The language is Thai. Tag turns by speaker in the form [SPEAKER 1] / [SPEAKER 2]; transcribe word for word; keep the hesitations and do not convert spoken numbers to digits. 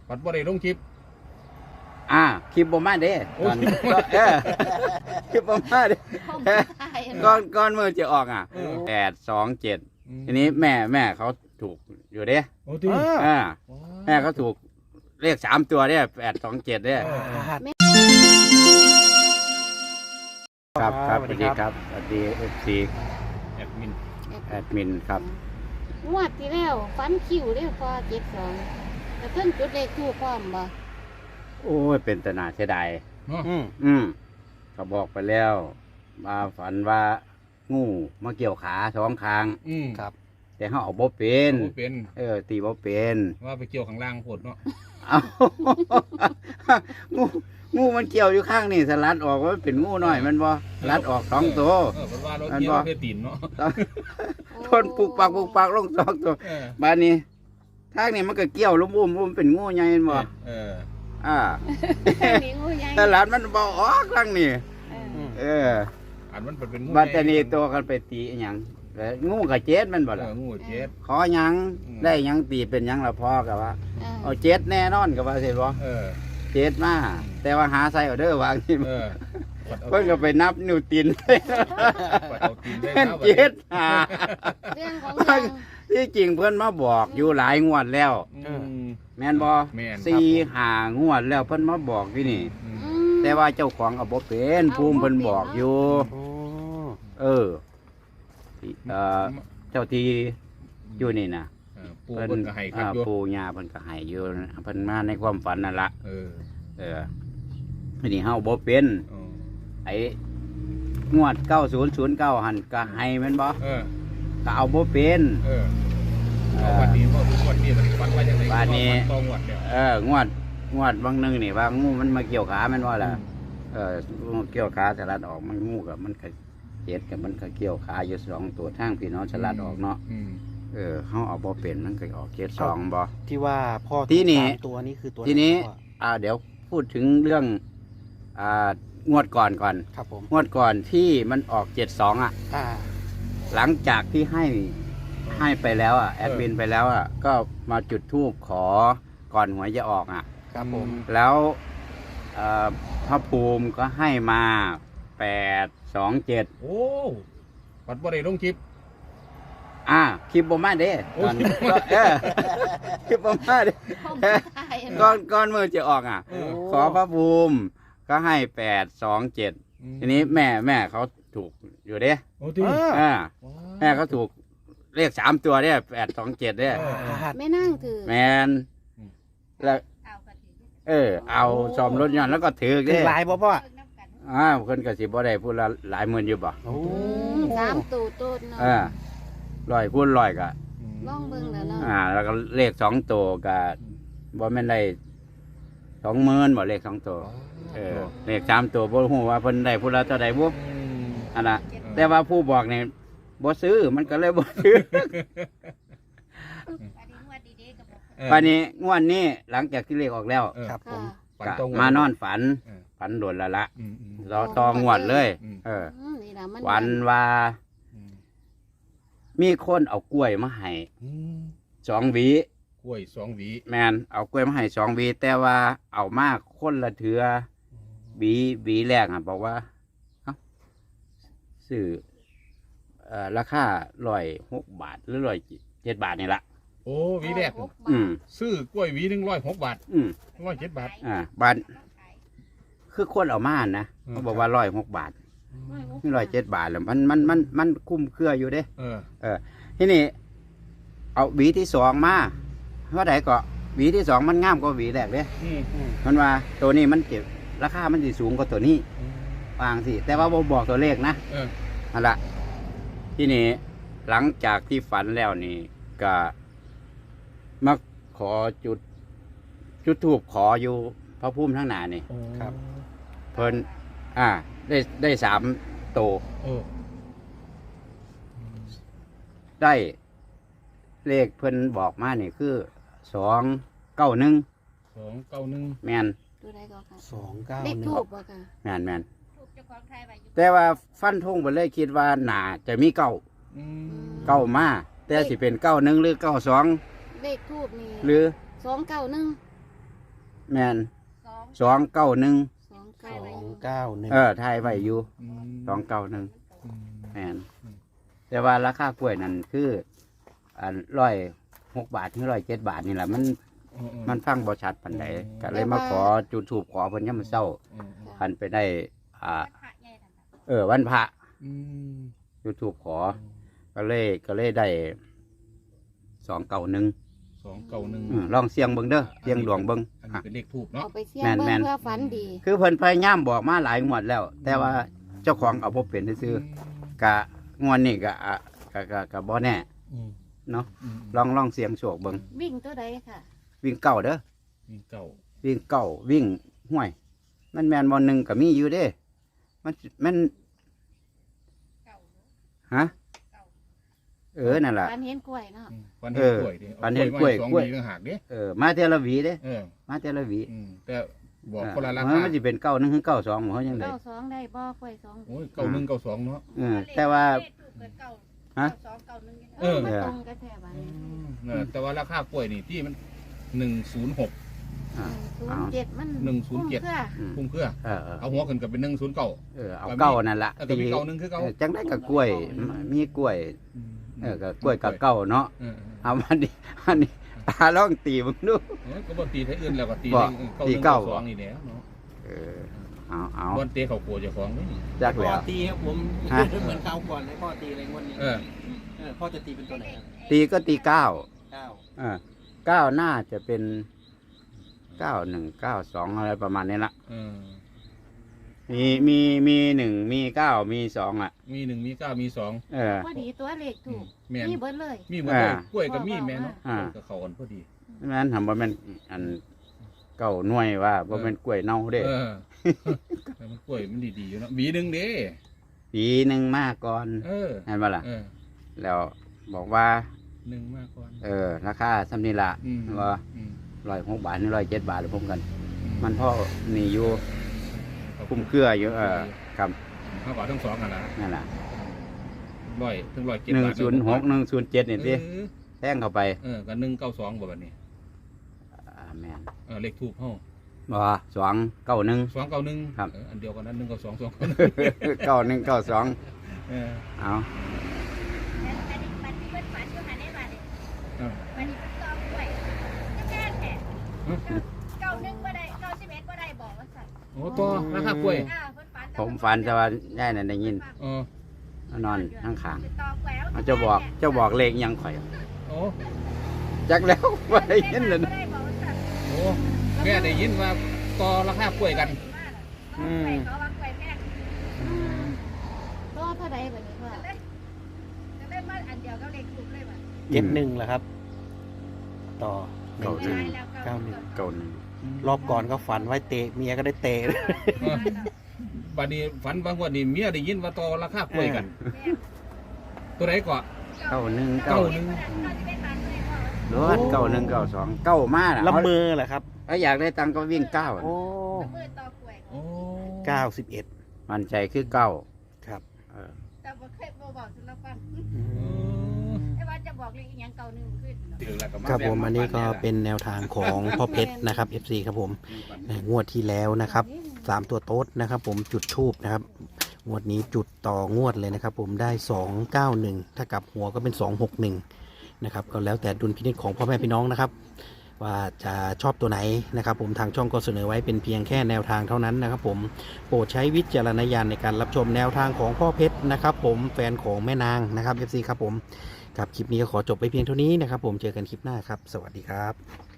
[SPEAKER 1] ปัดบ่ได้ลงคลิป
[SPEAKER 2] อ่าคลิปบ่มาเด้ตอนก็เออคลิปบ่มาเด้ก่อนก่อนมือจะออกอ่ะแปดสองเจ็ดทีนี้แม่แม่เขาถูกอยู่เด้
[SPEAKER 1] โอ้ที่
[SPEAKER 2] อ่าแม่เขาถูกเลขสามตัวเนี่ยแปดสองเจ็ดเนี่ยครับครับสวัสดีครับสวัสดีเอฟซี
[SPEAKER 1] แอดมิน
[SPEAKER 2] แอดมินครับ
[SPEAKER 3] งวดที่แล้วฟันคิวเรียกพอเจ็ดสองแต่เพิ่งจุดเลขทู่พร้อมบ่
[SPEAKER 2] โอ้ยเป็นตนาเสียดาย
[SPEAKER 1] อืม
[SPEAKER 2] อืมก็บอกไปแล้วมาฝันว่างูมาเกี่ยวขาสองคาง
[SPEAKER 1] อืมครับ
[SPEAKER 2] แต่เขาเอาบ่เป็น
[SPEAKER 1] เป็น
[SPEAKER 2] เออตีบ่เป็น
[SPEAKER 1] ว่าไปเกี่ยวข้างล่างโพดเนาะ
[SPEAKER 2] เอางูงูมันเกี่ยวอยู่ข้างนี่สลัดออกว่าเป็นงูน้อยมันบ่ลัดออกสองตัว
[SPEAKER 1] เออเพราะว่าเราเกี่ยวเพื่อตีนเนาะ
[SPEAKER 2] ทนปุกปักปุกปักลงสองตัวบ้านนี้ทางนี้มันก็เกี่ยวลุ่มอุ้มอุ้มเป็นงูใหญ่บ่
[SPEAKER 1] เออ
[SPEAKER 2] อ่าสลัดมันบ่ออกข้างนี่เออ
[SPEAKER 1] อันมันเป็นงู
[SPEAKER 2] บ้านแต่นี่ตัวกันไปตีหยังแล้วงูกับเจ็ดมันบ่ล่ะ
[SPEAKER 1] งูเจ็ด
[SPEAKER 2] ขอหยังได้หยังตีเป็นหยังละพอกับว่าเอาเจ็ดแน่นอนกับว่าสิบ่
[SPEAKER 1] เออ
[SPEAKER 2] เจ็ดมาแต่ว่าหาใส่เอาเด้อวางที่เพิ่นก็ไปนับนิ้วตีนเจ็ดหาที่จริงเพิ่นมาบอกอยู่หลายงวดแล้วแม่นบ่สี่หางวดแล้วเพิ่นมาบอกที่นี่แต่ว่าเจ้าของเอาบ่เป็นภูมิเพิ่นบอกอยู่เออเจ้าที่อยู่นี่นะ
[SPEAKER 1] ปูเพิ่นก็ให้ครับ
[SPEAKER 2] ปูย่าเพิ่นก็ให้อยู่เพิ่นมาในความฝันนั่นละ
[SPEAKER 1] เออ
[SPEAKER 2] เออทีนี้เฮาบ่เป็นไอ้งวดเก้าศูนย์ศูนย์เก้าหันก็ให้แม่นบ่
[SPEAKER 1] เออ
[SPEAKER 2] ก็เอาบ่เป็น
[SPEAKER 1] เออวันนี้บ่งวดนี้มันฝันว่าจังได๋
[SPEAKER 2] วันนี้
[SPEAKER 1] ต้องงวดเนี่ย
[SPEAKER 2] เอองวดงวดบางนึงนี่ว่างูมันมาเกี่ยวขาแม่นบ่ล่ะเออเกี่ยวขาสลัดออกมันงูกับมันก็เจ็ดกับมันก็เกี่ยวขาอยู่สองตัวทางพี่น้องสลัดออกเนาะเออเขาเอาบ่เป็นมันก็ออกเจ็ดสองบ่
[SPEAKER 4] ที่ว่าพ่อ
[SPEAKER 2] ที่นี่
[SPEAKER 4] ตัวนี้คือตัว
[SPEAKER 2] ที่นี้อ่าเดี๋ยวพูดถึงเรื่องอ่างวดก่อนก่อน
[SPEAKER 4] ครับผม
[SPEAKER 2] งวดก่อนที่มันออกเจ็ดสองอ่ะหลังจากที่ให้ให้ไปแล้วอ่ะแอดมินไปแล้วอ่ะก็มาจุดธูปขอก่อนหวยจะออกอ่ะ
[SPEAKER 4] ครับผม
[SPEAKER 2] แล้วพระภูมิก็ให้มาแปดสองเจ็ด
[SPEAKER 1] โอ้ปัดบ่ได้ลงคลิป
[SPEAKER 2] อ่าคลิปบ่มาเด้ตอนก็เออคลิปบ่มาเด้ก่อนก่อนมือจะออกอ่ะขอพระภูมิก็ให้แปดสองเจ็ดทีนี้แม่แม่เขาถูกอยู่เด้
[SPEAKER 1] โอ้ที่
[SPEAKER 2] อ่าแม่เขาถูกเลขสามตัวเนี่ยแปดสองเจ็ดเนี่ย
[SPEAKER 3] แม่นั่งถือ
[SPEAKER 2] แมนแล้วเออเอาซ่อมรถยนต์แล้วก็ถือ
[SPEAKER 4] เด้หลายบ่พ่อ
[SPEAKER 2] อ่าคนกสิบ่ได้พูดละหลายหมื่นอยู่บ่
[SPEAKER 3] โอ้สามตูตูดเนาะ
[SPEAKER 2] เออร้อยพูดร้อยก็
[SPEAKER 3] ลองเบิ่งแล้วเนาะ
[SPEAKER 2] อ่าแล้วก็เลขสองตัวก็บ่แม่นได้สองหมื่นบ่เลขสองตัวเออเลขสามตัวบ่ฮู้ว่าเพิ่นได้พูดละเท่าใดบ่อันน่ะแต่ว่าผู้บอกนี่บ่ซื้อมันก็เลยบ่ซื้อวันนี้งวดนี้หลังจากที่เลขออกแล้ว
[SPEAKER 4] ครับผม
[SPEAKER 2] มานอนฝันฝันโดนละละรอตองวดเลยเออวันว่ามีคนเอากล้วยมาให้สองหวี
[SPEAKER 1] กล้วยสองหวี
[SPEAKER 2] แมนเอากล้วยมาให้สองหวีแต่ว่าเอามากคนละเถือหวีหวีแรกอ่ะบอกว่าซื้อราคาร้อยหกบาทหรือร้อยเจ็ดบาทนี่ละ
[SPEAKER 1] โอ้หวีแรก
[SPEAKER 2] อืม
[SPEAKER 1] ซื้อกล้วยหวีหนึ่งร้อยหกบาท
[SPEAKER 2] อืม
[SPEAKER 1] ร้อยเจ็ดบาท
[SPEAKER 2] อ่าบาทคือคนเอามานะเขาบอกว่าร้อยหกบาทนี่ร้อยเจ็ดบาทแล้วมันมันมันมันคุ้มเครืออยู่เด้
[SPEAKER 1] เออ
[SPEAKER 2] เออที่นี่เอาหวีที่สองมาเพราะไหนก็หวีที่สองมันงามกว่าหวีแรกเด้มันว่าตัวนี้มันเก็บราคามันจะสูงกว่าตัวนี้วางสิแต่ว่าบอกตัวเลขนะนั่นแหละที่นี่หลังจากที่ฝันแล้วนี่ก็มาขอจุดจุดธูปขออยู่พระพุ่มทั้งหนานี่
[SPEAKER 4] ครับ
[SPEAKER 2] เพิ่นอ่าได้ได้สามโตได้เลขเพิ่นบอกมานี่คือสองเก้าหนึ่ง
[SPEAKER 1] สองเก้าหนึ่ง
[SPEAKER 2] แมน
[SPEAKER 3] ตัวใดก็ค่ะ
[SPEAKER 4] สองเก้า
[SPEAKER 3] เลขทูบบ่ค่ะ
[SPEAKER 2] แมนแมนแต่ว่าฟันธงไปเลยคิดว่าหนาจะมีเก้าเก้ามาแต่สิเป็นเก้าหนึ่งหรือเก้าสอง
[SPEAKER 3] เลขทูบนี่
[SPEAKER 2] หรือ
[SPEAKER 3] สองเก้าหนึ่ง
[SPEAKER 2] แมนสองเก้าหนึ่ง
[SPEAKER 3] สอง
[SPEAKER 4] ส
[SPEAKER 3] เก้า
[SPEAKER 4] องเก้าหนึ่ง
[SPEAKER 2] เออทายไว้อยู่
[SPEAKER 1] อืม
[SPEAKER 2] สองเก้าหนึ่ง
[SPEAKER 1] อืม
[SPEAKER 2] แมนแต่ว่าราคากล้วยนั่นคืออันร้อยหกบาทถึงร้อยเจ็ดบาทนี่แหละมัน
[SPEAKER 1] อือื
[SPEAKER 2] มันฟังบ่ชัดปานใดก็เลยมาขอจุดถูกขอเพิ่นยามมื้อเช้า
[SPEAKER 1] อืม
[SPEAKER 2] คันไปได้ อ่า เออ วันพระ
[SPEAKER 1] อืม
[SPEAKER 2] จุดถูกขอ ก็เลยก็เลยได้สองเก้าหนึ่ง
[SPEAKER 1] สองเก้าหนึ่ง
[SPEAKER 2] ลองเสียงเบิ่งเด้อเสียงดวงเบิ่ง
[SPEAKER 1] อันนี้เป็นเลขทูบเนาะ
[SPEAKER 3] เอาไปเสี่ยง
[SPEAKER 2] แม่น
[SPEAKER 3] เบิ่
[SPEAKER 2] แม่
[SPEAKER 3] ง
[SPEAKER 2] น
[SPEAKER 3] เพื่อฝันดี
[SPEAKER 2] คือเพิ่นพยายามบอกมาหลายงวดแล้ว แต่ว่าเจ้าของเอาบ่เป็นซื่อๆกะงวดนี้ก็อ่ะก็ก็ก็บ่แน่
[SPEAKER 1] อืม
[SPEAKER 2] เนาะ
[SPEAKER 1] อืม
[SPEAKER 2] ลองลองเสียงโชคเบิ่ง
[SPEAKER 3] วิ่งตัวใดค่ะ
[SPEAKER 2] วิ่งเก้าเด้อ
[SPEAKER 1] มีเก้า
[SPEAKER 2] วิ่งเก้าวิ่งห้วย มันแม่นบ่หนึ่งก็มีอยู่เด้ มันมันฮะเออนั่นล่ะ
[SPEAKER 3] ฝันเห็นกล้วยเนาะ
[SPEAKER 1] อืมฟันเห็นกล้วยดิ
[SPEAKER 2] ฟันเห็นกล้วย
[SPEAKER 1] อา
[SPEAKER 2] กล้วย
[SPEAKER 1] ไม้สองหวีต่างหากเด้
[SPEAKER 2] เออมาเทละหวีเด้
[SPEAKER 1] เออ
[SPEAKER 2] มาเทละหวี
[SPEAKER 1] อืมแต่บอก
[SPEAKER 2] เออ
[SPEAKER 1] คนละรา
[SPEAKER 2] มัน
[SPEAKER 1] คา
[SPEAKER 2] มันสิเป็นเก้าหนึ่งถึงเก้าสองบ่เฮาจังได๋
[SPEAKER 3] เก้าสองได้บ่กล้วยสอง
[SPEAKER 1] โอ้ยเก้าหนึ่งเก้าสองเนาะ
[SPEAKER 2] เออแต่ว่า ฮะ
[SPEAKER 3] เออมันตรงกันแท้บัดนี้
[SPEAKER 1] เออแต่ว่าราคากล้วยนี่ที่มันหนึ่งศูนย์หก
[SPEAKER 2] อ่า
[SPEAKER 3] ศูนย์เจ็ดมัน
[SPEAKER 1] หนึ่งศูนย์เจ็ด
[SPEAKER 3] คุ้มค่า
[SPEAKER 2] อืม
[SPEAKER 1] พุ่งเครือ
[SPEAKER 2] เออเออ
[SPEAKER 1] เอาหัวขึ้นกับเป็นหนึ่งศูนย์เก้า
[SPEAKER 2] เออเอาเก้านั่นล่ะ
[SPEAKER 1] เออก็มีเก้าหนึ่งคือเก้า
[SPEAKER 2] เออจังได้กับกล้วย มีกล้วย เออกับกล้วยกับเก้าเนาะ
[SPEAKER 1] เออ
[SPEAKER 2] เอาอันนี้อันนี้ตาลองตีมึงดู
[SPEAKER 1] เออก็บ่ตีไทยอื่นแล้วก็ตี
[SPEAKER 2] บ่
[SPEAKER 1] เลข
[SPEAKER 2] ตี
[SPEAKER 1] เก้าห
[SPEAKER 2] เก้า
[SPEAKER 1] นึ่งเก้าสองนี่แหล้วเนาะ
[SPEAKER 2] เออเอาเอา
[SPEAKER 1] บอนเตะเขากลัวเจ้าของนี่
[SPEAKER 2] จัก
[SPEAKER 4] พ่
[SPEAKER 2] แล้
[SPEAKER 4] อ
[SPEAKER 2] ว
[SPEAKER 4] ตีครับผม
[SPEAKER 2] ฮะ
[SPEAKER 4] เหมือนคราวก่อนให้พ่อตีอะไรงวดนี้
[SPEAKER 1] เออ
[SPEAKER 4] เออพ่อจะตีเป็นตัวไหนครับ
[SPEAKER 2] ตีก็ตีเก้า
[SPEAKER 4] เก้า
[SPEAKER 2] เออเก้าน่าจะเป็นเก้าหนึ่งเก้าสองอะไรประมาณนี้ละ
[SPEAKER 1] เออ
[SPEAKER 2] มีมีมีหนึ่งมีเก้ามีสองอ่ะ
[SPEAKER 1] มีหนึ่งมีเก้ามีสอง
[SPEAKER 2] เออ
[SPEAKER 3] พอดีตัวเลขถูก
[SPEAKER 1] แม่น
[SPEAKER 3] นี่เบิดเลย
[SPEAKER 1] มีหมดเลย
[SPEAKER 2] อ่า
[SPEAKER 1] กล้วยกับมีแม่เนาะ
[SPEAKER 2] อ่า
[SPEAKER 1] กับเขากันพอดี
[SPEAKER 2] แม่นทำว่าแม่นอันเก้าหน่วยว่าว่าเป็นกล้วยเน่าเด้
[SPEAKER 1] เออแต่มันกล้วยมันดีๆอยู่เนาะหวีหนึ่งเด้
[SPEAKER 2] ปีหนึ่งมาก่อน
[SPEAKER 1] เออ
[SPEAKER 2] เห็นปะล่ะ
[SPEAKER 1] เออ
[SPEAKER 2] แล้วบอกว่า
[SPEAKER 1] หนึ่งมากกว่า
[SPEAKER 2] เออ ราคาสำนีละ
[SPEAKER 1] อืม
[SPEAKER 2] ว่า
[SPEAKER 1] อืม
[SPEAKER 2] ร้อยหกบาทนี่ร้อยเจ็ดบาทหรือพร้อมกัน
[SPEAKER 1] อื
[SPEAKER 2] มันพ่อมีอยู่คุ้มเครืออยู่เออครับ
[SPEAKER 1] ห้าบาททั้งสองกันนะ
[SPEAKER 2] นั่นแหละ
[SPEAKER 1] ร้อยถึงร้อยเจ็ด
[SPEAKER 2] หนึ่ง
[SPEAKER 1] บาท
[SPEAKER 2] ศูนย์หกหนึ่งศูนย์เจ็ดนี่สิ
[SPEAKER 1] เออ
[SPEAKER 2] แท่งเข้าไป
[SPEAKER 1] เออกับหนึ่งเก้าสองบ่แบบนี้
[SPEAKER 2] อ่าแม่น
[SPEAKER 1] เออเลขทูบเฮา
[SPEAKER 2] บ่สองเก้าหนึ่ง
[SPEAKER 1] สองเก้าหนึ่ง
[SPEAKER 2] ครับ
[SPEAKER 1] เอออันเดียวกันนั้นหนึ่งเก้าสองสองเก้าหนึ่ง
[SPEAKER 2] เก้าหนึ่งเก้าสอง
[SPEAKER 1] เออ
[SPEAKER 2] เอา
[SPEAKER 1] เออ
[SPEAKER 5] เก้าหนึ่งบ่ได้เก้าสิบเอ็ดบ่ได้บอกว่าสั่น
[SPEAKER 1] โอ้ตัวราคากล้วย
[SPEAKER 5] อ่าเพิ่นฝัน
[SPEAKER 2] ผมฝันแต่ว่าได้นั่นได้ยิน
[SPEAKER 1] เออ
[SPEAKER 2] นอนข้างขาง
[SPEAKER 5] ติดต่อแกล้ว
[SPEAKER 2] ๆเขาจะบอกเจ้าบอกเลขยังข่อย
[SPEAKER 1] โอ้
[SPEAKER 2] จักแล้ว ว่าได้ยินเลย
[SPEAKER 5] บ่ได้บอกว่าสั่น
[SPEAKER 1] โอ้แม่ได้ยินว่าต่อราคากล้วยกัน
[SPEAKER 5] อืมเขาว่าแกล้แม่
[SPEAKER 3] ตัวเท่าใดบัดนี้พ่อ
[SPEAKER 5] ก็เลยก็เลยมาอันเดียวก็เลขถูกเลยว่ะ
[SPEAKER 4] เจ็ดหนึ่งเหรอครับ ต่อหนึ่
[SPEAKER 2] เก้าง หนึ่ง
[SPEAKER 5] แล้ว
[SPEAKER 4] เก้าหนึ่ง
[SPEAKER 2] เก้าหนึ่ง
[SPEAKER 4] รอบก่อนก็ฝันไว้เตะเมียก็ได้เตะ
[SPEAKER 1] เออบัดนี้ฝันบางวันนี่เมียได้ยินว่าต่อราคากล้วยกัน ตัวไหนก่อน
[SPEAKER 2] เก้าหนึ่งเก้า
[SPEAKER 1] เก้าหนึ่ง
[SPEAKER 2] รถเก้าหนึ่งเก้าสองเก้ามาน่ะ
[SPEAKER 4] ละเมอเหรอครับ
[SPEAKER 2] ถ้าอยากได้ตังค์ก็วิ่งเก้า
[SPEAKER 4] โอ้
[SPEAKER 5] มือต่อกล้วย
[SPEAKER 1] โอ้
[SPEAKER 4] เก้าสิบเอ็ด
[SPEAKER 2] มันใจคือเก้า
[SPEAKER 4] ครับ
[SPEAKER 2] เออ
[SPEAKER 5] แต่บ่เคยบ่บอกสุดละฟัง
[SPEAKER 4] อืม
[SPEAKER 5] แต่ว่าจะบอกเลขอีหยังเก่าหนึงขึ้น
[SPEAKER 1] ถึงแล้วก็า
[SPEAKER 4] ครับผม
[SPEAKER 1] แ
[SPEAKER 4] อันนี้ก็เป็นแนวทางของพ่อเพชรนะครับ เอฟ ซี ครับผมในงวดที่แล้วนะครับสามตัวโต๊ดนะครับ ผมจุดทูบนะครับงวดนี้จุดต่องวดเลยนะครับ ผมได้สองเก้าหนึ่งถ้ากลับหัวก็เป็นสองหกหนึ่งนะครับก็แล้วแต่ดุลพินิจของพ่อแม่พี่น้องนะครับ ว่าจะชอบตัวไหนนะครับ ผมทางช่องก็เสนอไว้เป็นเพียงแค่แนวทางเท่านั้นนะครับ ผมโปรดใช้วิจารณญาณในการรับชมแนวทางของพ่อเพชรนะครับ ผมแฟนของแม่นางนะครับ เอฟ ซี ครับผมครับคลิปนี้ก็ขอจบไปเพียงเท่านี้นะครับ ผมเจอกันคลิปหน้าครับ สวัสดีครับ